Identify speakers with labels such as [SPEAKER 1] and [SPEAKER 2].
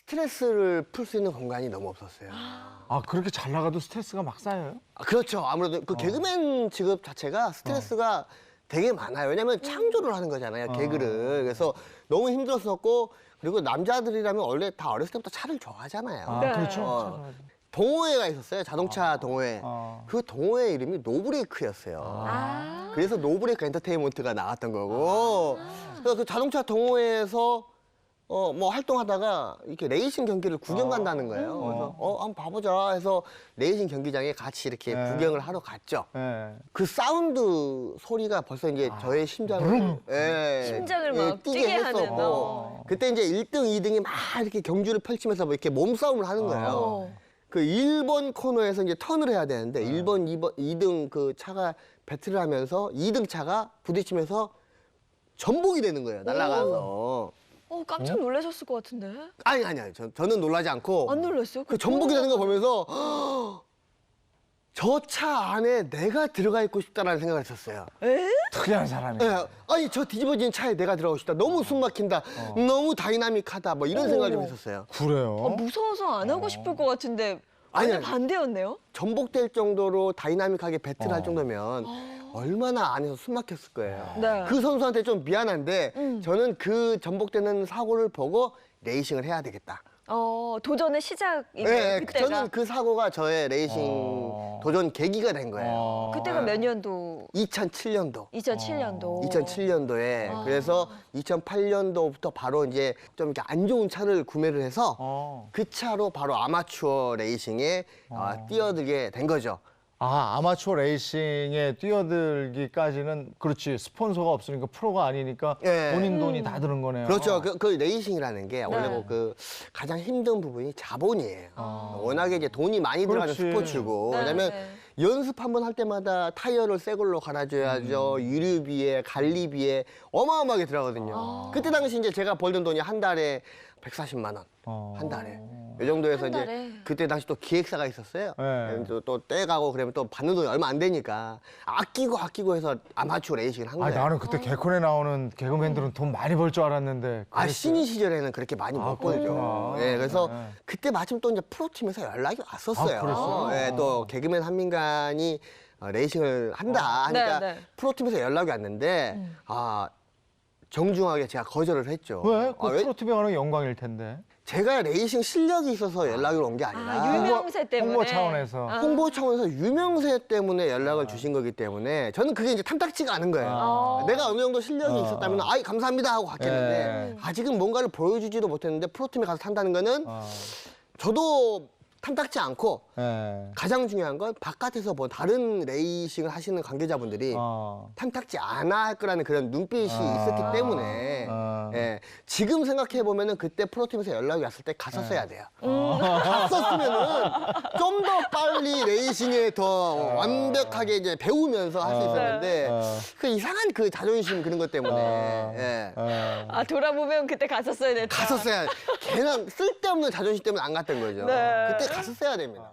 [SPEAKER 1] 스트레스를 풀 수 있는 공간이 너무 없었어요.
[SPEAKER 2] 아, 그렇게 잘 나가도 스트레스가 막 쌓여요?
[SPEAKER 1] 그렇죠. 아무래도 그 개그맨 직업 자체가 스트레스가 되게 많아요. 왜냐면 창조를 하는 거잖아요, 개그를. 그래서 너무 힘들었었고, 그리고 남자들이라면 원래 다 어렸을 때부터 차를 좋아하잖아요.
[SPEAKER 2] 아,
[SPEAKER 3] 네.
[SPEAKER 2] 그렇죠.
[SPEAKER 1] 동호회가 있었어요, 자동차 동호회.
[SPEAKER 2] 아.
[SPEAKER 1] 그 동호회 이름이 노브레이크였어요.
[SPEAKER 3] 아.
[SPEAKER 1] 그래서 노브레이크 엔터테인먼트가 나왔던 거고, 그래서 그 자동차 동호회에서 뭐 활동하다가 이렇게 레이싱 경기를 구경 간다는 거예요. 그래서 한번 봐보자 해서 레이싱 경기장에 같이 이렇게
[SPEAKER 2] 네.
[SPEAKER 1] 구경을 하러 갔죠.
[SPEAKER 2] 예.
[SPEAKER 1] 그 사운드 소리가 벌써 이제 저의 심장을
[SPEAKER 3] 심장을 막 뛰게 하는,
[SPEAKER 1] 그때 이제 1등, 2등이 막 이렇게 경주를 펼치면서 뭐 이렇게 몸싸움을 하는 거예요. 그 1번 코너에서 이제 턴을 해야 되는데 1번, 2번, 2등 그 차가 배틀을 하면서 2등 차가 부딪히면서 전복이 되는 거예요. 날아가서.
[SPEAKER 3] 깜짝 놀라셨을 것 같은데.
[SPEAKER 1] 아니. 저는 놀라지 않고.
[SPEAKER 3] 안 놀랐어요?
[SPEAKER 1] 그 전복이 되는 거 보면서 저 차 안에 내가 들어가 있고 싶다라는 생각을 했었어요.
[SPEAKER 3] 에?
[SPEAKER 2] 특이한 사람이네.
[SPEAKER 1] 예, 아니 저 뒤집어진 차에 내가 들어가고 싶다. 너무 숨 막힌다. 너무 다이나믹하다. 뭐 이런 생각을 좀 했었어요.
[SPEAKER 2] 그래요?
[SPEAKER 3] 무서워서 안 하고 싶을 것 같은데
[SPEAKER 1] 아니,
[SPEAKER 3] 완전 반대였네요?
[SPEAKER 1] 전복될 정도로 다이나믹하게 배틀할 정도면 얼마나 안에서 숨 막혔을 거예요.
[SPEAKER 3] 네.
[SPEAKER 1] 그 선수한테 좀 미안한데 저는 그 전복되는 사고를 보고 레이싱을 해야 되겠다.
[SPEAKER 3] 도전의 시작이네요,
[SPEAKER 1] 네,
[SPEAKER 3] 그때가.
[SPEAKER 1] 저는 그 사고가 저의 레이싱 도전 계기가 된 거예요.
[SPEAKER 3] 그때가 몇 년도?
[SPEAKER 1] 2007년도.
[SPEAKER 3] 2007년도.
[SPEAKER 1] 2007년도에 그래서 2008년도부터 바로 이제 좀 이렇게 안 좋은 차를 구매를 해서 그 차로 바로 아마추어 레이싱에 뛰어들게 된 거죠.
[SPEAKER 2] 아, 아마추어 레이싱에 뛰어들기까지는 그렇지. 스폰서가 없으니까 프로가 아니니까
[SPEAKER 1] 예.
[SPEAKER 2] 본인 돈이 다 드는 거네요.
[SPEAKER 1] 그렇죠. 그 레이싱이라는 게 원래 뭐 그 가장 힘든 부분이 자본이에요. 워낙에 이제 돈이 많이 들어가는
[SPEAKER 2] 그렇지.
[SPEAKER 1] 스포츠고.
[SPEAKER 3] 네,
[SPEAKER 1] 왜냐면
[SPEAKER 3] 네.
[SPEAKER 1] 연습 한 번 할 때마다 타이어를 새 걸로 갈아줘야죠. 유류비에, 관리비에 어마어마하게 들어가거든요. 그때 당시 이제 제가 벌던 돈이 한 달에 140만 원. 한 달에. 이 정도에서
[SPEAKER 3] 한
[SPEAKER 1] 이제
[SPEAKER 3] 달에?
[SPEAKER 1] 그때 당시 또 기획사가 있었어요.
[SPEAKER 2] 네.
[SPEAKER 1] 또 떼가고 그러면 또 받는 돈이 얼마 안 되니까 아끼고 해서 아마추어 레이싱을 한
[SPEAKER 2] 아,
[SPEAKER 1] 거예요.
[SPEAKER 2] 나는 그때 개콘에 나오는 개그맨들은 돈 많이 벌 줄 알았는데. 그랬어요?
[SPEAKER 1] 신인 시절에는 그렇게 많이 못 벌죠.
[SPEAKER 2] 그렇구나.
[SPEAKER 1] 예, 그래서
[SPEAKER 2] 네.
[SPEAKER 1] 그때 마침 또 이제 프로팀에서 연락이 왔었어요.
[SPEAKER 2] 아, 그랬어요?
[SPEAKER 1] 예, 또 개그맨 한민간이 레이싱을 한다 하니까
[SPEAKER 3] 네, 네.
[SPEAKER 1] 프로팀에서 연락이 왔는데 정중하게 제가 거절을 했죠.
[SPEAKER 2] 왜? 그
[SPEAKER 1] 왜?
[SPEAKER 2] 프로팀에 가는 게 영광일 텐데.
[SPEAKER 1] 제가 레이싱 실력이 있어서 연락이 온 게 아니라
[SPEAKER 3] 유명세 때문에.
[SPEAKER 2] 홍보 차원에서.
[SPEAKER 1] 홍보 차원에서 유명세 때문에 연락을 주신 거기 때문에 저는 그게 이제 탐탁지가 않은 거예요. 내가 어느 정도 실력이 있었다면 아이 감사합니다 하고 갔겠는데 아직은 뭔가를 보여주지도 못했는데 프로팀에 가서 탄다는 거는 저도 탐탁지 않고
[SPEAKER 2] 예.
[SPEAKER 1] 가장 중요한 건 바깥에서 본 다른 레이싱을 하시는 관계자분들이 탐탁지 않아 할 거라는 그런 눈빛이 있었기 때문에 예, 지금 생각해 보면은 그때 프로팀에서 연락이 왔을 때 갔었어야 돼요. 갔었으면은 좀 더 빨리 레이싱에 더 완벽하게 이제 배우면서 할 수 있었는데 그 이상한 그 자존심 그런 것 때문에 예.
[SPEAKER 3] 돌아보면 그때 갔었어야 됐다.
[SPEAKER 1] 갔었어야 그냥 쓸데없는 자존심 때문에 안 갔던 거죠.
[SPEAKER 3] 네.
[SPEAKER 1] 그때 갔었어야 됩니다.